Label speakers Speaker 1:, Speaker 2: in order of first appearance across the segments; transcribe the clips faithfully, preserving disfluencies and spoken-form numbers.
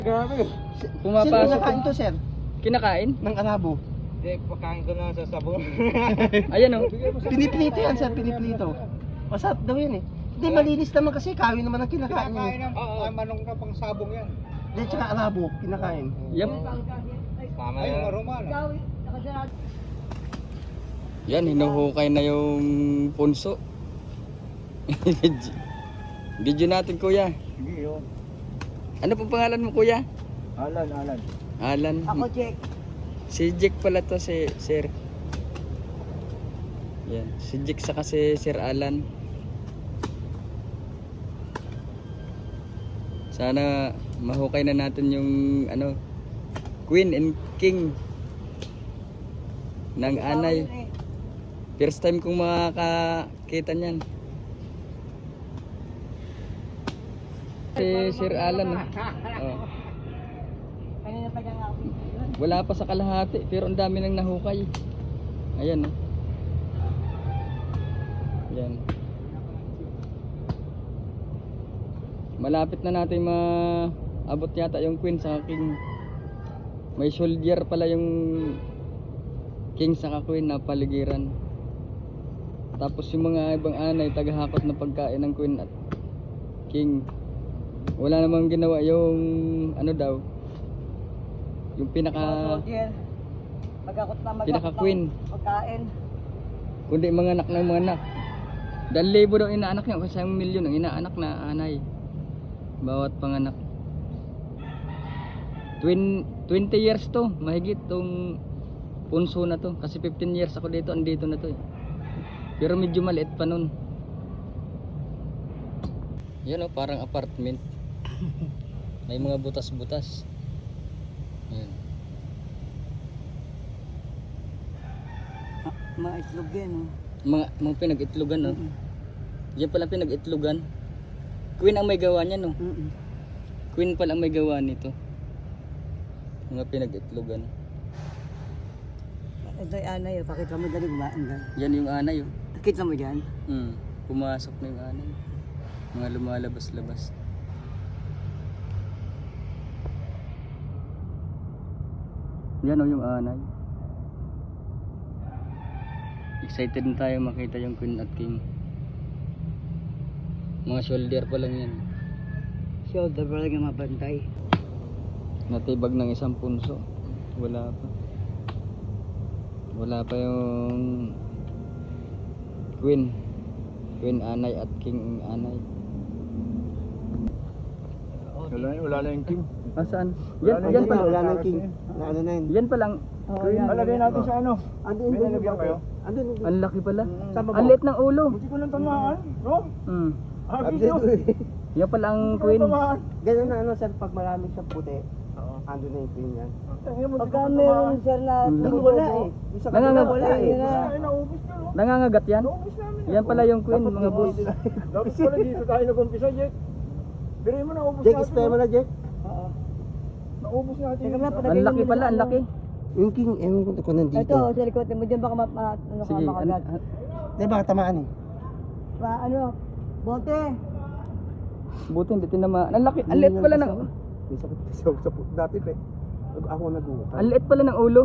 Speaker 1: Grabe.
Speaker 2: Sino
Speaker 3: Pumapasok.
Speaker 2: nakain to, sir?
Speaker 3: Kinakain?
Speaker 2: Ng Arabo.
Speaker 1: Hindi, pakain ko na sa sabon.
Speaker 3: Ayan oh.
Speaker 2: Piniprito yan, sir. Piniprito. Masarap daw yan eh. Hindi, malinis naman kasi. Kawin naman ang kinakain.
Speaker 1: Kinakain
Speaker 2: eh.
Speaker 1: ng oh, manong ka pang sabong yan.
Speaker 2: Hindi, tsaka Arabo. Kinakain.
Speaker 3: Yep.
Speaker 1: Tama yan. Ay, marumana.
Speaker 3: Yan, hinuhukay na yung punso. Video natin, kuya.
Speaker 1: Hindi yun.
Speaker 3: Ano pong pangalan mo, kuya?
Speaker 1: Alan, Alan.
Speaker 3: Alan.
Speaker 2: Ako, Jack.
Speaker 3: Si Jack pala to, si Sir. Yan, si Jack saka si Sir Alan. Sana mahukay na natin yung ano, Queen and King ng anay. First time kong makakita niyan. Si Sir Alan. Oh. Wala pa sa kalahati pero ang dami nang nahukay. Ayan oh. Ayan. Malapit na natin maabot yata yung Queen sa King. May soldier pala yung King sa Queen na paligiran. Tapos yung mga ibang anay tagahakot na pagkain ng Queen at King. Wala namang ginawa yung ano daw, yung pinaka pinaka Queen,
Speaker 4: pagkain.
Speaker 3: kundi mga anak ng mga anak. Dahil libo daw inaanak niya, kasi isang milyon ang inaanak na anay bawat panganak. twenty years to, mahigit tong punso na to, kasi fifteen years ako dito, andito na to eh. Pero medyo maliit pa nun. Yan o, parang apartment. May mga butas-butas. Yan.
Speaker 4: Mga itlog yan, oh.
Speaker 3: Mga, mga pinag-itlogan no. Yan pala pinag-itlogan. Queen ang may gawa niya no.
Speaker 4: Mm-mm.
Speaker 3: Queen pala ang may gawa nito. Mga pinag-itlogan.
Speaker 4: Ito yung anay, oh. Pakita mo dali gumaan dyan.
Speaker 3: Yan yung anay oh.
Speaker 4: Nakita mo dyan?
Speaker 3: Hmm. Pumasok na yung anay. Mga lumalabas-labas. Yan oh yung anay. Excited na tayo makita yung Queen at King. Mga shoulder pa lang yan.
Speaker 4: Shoulder pa lang yung mabantay.
Speaker 3: Natibag ng isang punso. Wala pa. Wala pa yung Queen. Queen anay at King anay.
Speaker 1: Wala, wala na yung King.
Speaker 3: Ah, saan?
Speaker 1: Wala
Speaker 3: Yan,
Speaker 1: na
Speaker 3: yan
Speaker 1: yung
Speaker 3: pala.
Speaker 2: Wala na yung King. Na ano na yun.
Speaker 3: Yan palang.
Speaker 4: Oh, yan.
Speaker 1: Malagay natin sa ano.
Speaker 2: Andun,
Speaker 1: May
Speaker 2: andun,
Speaker 1: nalagyan kayo?
Speaker 2: Andun, andun.
Speaker 3: Ang laki pala.
Speaker 2: Saan ba
Speaker 3: Ang
Speaker 2: ba?
Speaker 3: liit ng ulo.
Speaker 1: Hindi ko lang tamaan. No?
Speaker 3: Hmm.
Speaker 1: Ah,
Speaker 2: Andun,
Speaker 1: video.
Speaker 2: andun.
Speaker 3: Yan pala ang
Speaker 1: Hindi ko
Speaker 3: Queen.
Speaker 1: lang tamaan.
Speaker 2: Ganun na ano, sir, pag marami siyang puti,
Speaker 1: Oo.
Speaker 2: andun na yung Queen yan.
Speaker 1: Tangina mo,
Speaker 4: Pagka
Speaker 1: hindi ko
Speaker 4: meron
Speaker 1: tamaan.
Speaker 4: sir na
Speaker 3: Hmm.
Speaker 2: Doon wala eh. Yung sa kabila
Speaker 3: Nangangag-
Speaker 2: wala eh.
Speaker 1: Ay, naubos nyo, no?
Speaker 3: Nangangagat yan.
Speaker 1: Naubos namin.
Speaker 3: Yan pala yung Queen,
Speaker 2: Dapat
Speaker 3: mga
Speaker 2: dito
Speaker 3: boss.
Speaker 2: sila.
Speaker 1: Dapat pala dito tayo nag-umpisa, Jack. Biri mo, naubos
Speaker 2: Jack,
Speaker 1: natin.
Speaker 2: spray mo na, Jack.
Speaker 4: Oo.
Speaker 1: Naubos natin.
Speaker 4: Teka nga,
Speaker 1: yung-
Speaker 4: palagay
Speaker 3: Ang
Speaker 4: mo
Speaker 3: laki
Speaker 4: muna
Speaker 3: pala,
Speaker 4: sa
Speaker 3: ang
Speaker 4: ano.
Speaker 3: laki.
Speaker 2: Yung King, ewan ko kung nandito.
Speaker 4: Ito, sa likod mo dyan baka ma, ma, ano ka
Speaker 3: Sige,
Speaker 4: makagat.
Speaker 3: an-
Speaker 2: Di ba, tamaan eh.
Speaker 4: Pa, ano, bote.
Speaker 3: buti hindi tinamaan. Ang laki, ang liit pala ng
Speaker 2: May sakit sa sa dati pa eh. Ako nag-uutang.
Speaker 3: ang liit pala ng ulo.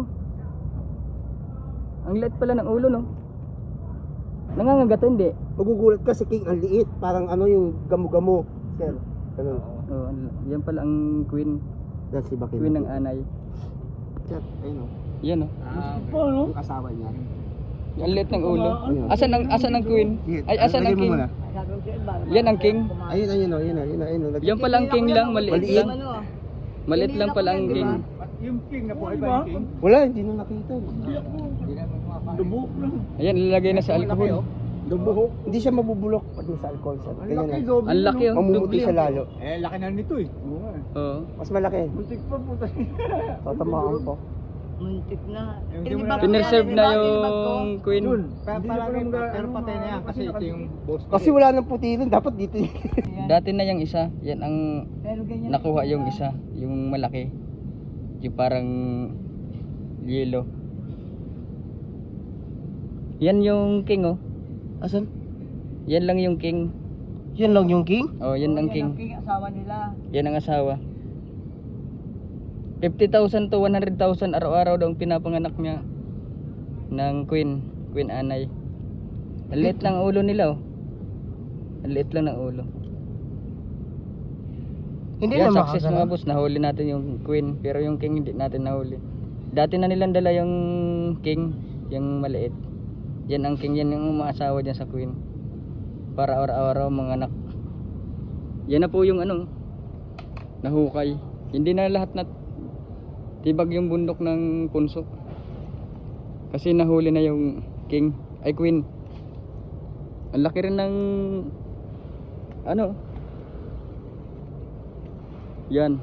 Speaker 3: Ang liit pala ng ulo no. Nangangagat hindi.
Speaker 2: Magugulat ka si King, ang liit. Parang ano yung gamo-gamo. Sir, ganun.
Speaker 3: Oh, yan pala ang Queen,
Speaker 2: Yan si Bakin.
Speaker 3: Queen ng anay.
Speaker 2: Sir, ayun o.
Speaker 3: Yan oh.
Speaker 1: Paano?
Speaker 2: Yung asawa niya.
Speaker 3: Ang liit ng ulo.
Speaker 2: Ayun.
Speaker 3: Asan ang asan ang Queen? Ay asan ang
Speaker 2: Lagyan mo
Speaker 3: King?
Speaker 2: muna.
Speaker 4: Sabi ko sa'yo, baka-
Speaker 3: Yan ang King.
Speaker 2: Ayun, ayun o, ayun o, ayun o, ayun o.
Speaker 3: Yan pala ang King lang, maliit
Speaker 2: Maliit.
Speaker 3: lang.
Speaker 4: Ano,
Speaker 3: Maliit lang pala ang King.
Speaker 1: At yung King, nabuhay ba yung King?
Speaker 2: Wala, hindi na nakita.
Speaker 1: Lubok lang.
Speaker 3: Ayan, ilalagay na sa alcohol.
Speaker 1: Lubok.
Speaker 2: Hindi siya mabubulok pag sa alcohol. Sir.
Speaker 1: Ang
Speaker 2: Ganyan
Speaker 1: laki,
Speaker 2: na.
Speaker 1: doble.
Speaker 3: Ang laki
Speaker 1: no?
Speaker 3: oh.
Speaker 2: Mamumuti siya lalo.
Speaker 1: Eh, laki na nito eh. Oo nga eh.
Speaker 3: Oo.
Speaker 2: Mas malaki.
Speaker 1: Muntik pa puta.
Speaker 2: Tatamaan po.
Speaker 4: muntik na.
Speaker 1: Eh, hindi
Speaker 4: Eh,
Speaker 1: mo
Speaker 4: di ba
Speaker 1: na-
Speaker 3: Pinerserve
Speaker 4: yan,
Speaker 3: na
Speaker 4: di ba, di ba ko?
Speaker 3: yung Queen.
Speaker 1: Yun.
Speaker 5: Hindi na
Speaker 1: Palagi
Speaker 5: naman
Speaker 1: pa,
Speaker 5: ga-
Speaker 1: pero
Speaker 5: ano,
Speaker 1: patay na yan kasi ito yung boss. ko
Speaker 2: Kasi
Speaker 1: eh.
Speaker 2: wala nang puti rin. Dapat dito.
Speaker 3: Dati na yung isa, yan ang
Speaker 4: Pero ganyan
Speaker 3: nakuha
Speaker 4: na-
Speaker 3: yung isa, yung malaki. Yung parang yellow. Yan yung King oh.
Speaker 2: Asan?
Speaker 3: Yan lang yung King.
Speaker 2: Yan lang yung King?
Speaker 3: Oh, yan ang
Speaker 4: Oo,
Speaker 3: King.
Speaker 4: King, asawa nila.
Speaker 3: Yan ang asawa. fifty thousand to one hundred thousand araw-araw daw ang pinapanganak niya ng queen, queen anay. Ang liit lang ang ulo nila oh. Ang liit lang ng ulo.
Speaker 2: Hindi
Speaker 3: Yan,
Speaker 2: na
Speaker 3: success
Speaker 2: makakala.
Speaker 3: mga boss, nahuli natin yung queen, pero yung king hindi natin nahuli. Dati na nilang dala yung king, yung maliit. Yan ang king, yan yung umaasawa dyan sa queen. Para araw-araw mga anak. Yan na po yung ano, nahukay. Hindi na lahat na tibag yung bundok ng punso. Kasi nahuli na yung king, ay queen. Ang laki rin ng ano, yan.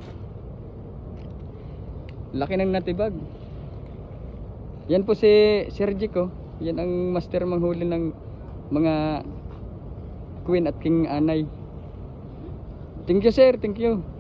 Speaker 3: Laki ng natibag. Yan po si Sir Jic oh. Yan ang master manghuli ng mga queen at king anay. Thank you sir, thank you.